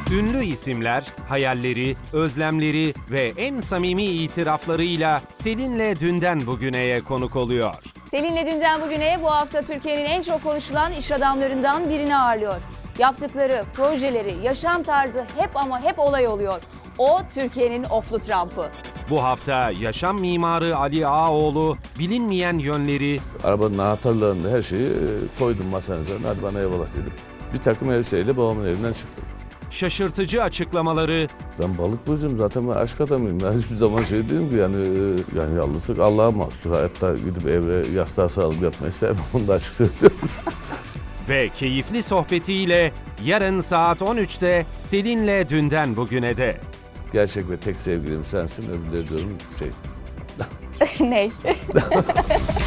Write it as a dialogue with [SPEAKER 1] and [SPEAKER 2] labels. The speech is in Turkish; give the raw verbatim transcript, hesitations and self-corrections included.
[SPEAKER 1] Ünlü isimler, hayalleri, özlemleri ve en samimi itiraflarıyla Selin'le dünden bugüneye konuk oluyor.
[SPEAKER 2] Selin'le dünden bugüneye bu hafta Türkiye'nin en çok konuşulan iş adamlarından birini ağırlıyor. Yaptıkları, projeleri, yaşam tarzı hep ama hep olay oluyor. O Türkiye'nin oflu Trump'ı.
[SPEAKER 1] Bu hafta yaşam mimarı Ali Ağaoğlu bilinmeyen yönleri,
[SPEAKER 3] Arabanın anahtarlarını, her şeyi koydum masanın üzerine. Hadi bana eyvallah dedim. Bir takım elbiseyle babamın evinden çıktım.
[SPEAKER 1] şaşırtıcı açıklamaları,
[SPEAKER 3] Ben balık burcuyum, zaten ben aşk adamıyım. Ben hiçbir zaman şey değilim ki yani, yani yalnızlık Allah'a mahsustur. Hayatta gidip evre yastığa sarılıp yatmayı sevmem, onu da açık söylüyorum.
[SPEAKER 1] ve keyifli sohbetiyle yarın saat on üçte Selin'le dünden bugüne de.
[SPEAKER 3] Gerçek ve tek sevgilim sensin, öbürleri diyorum şey.
[SPEAKER 2] Ney?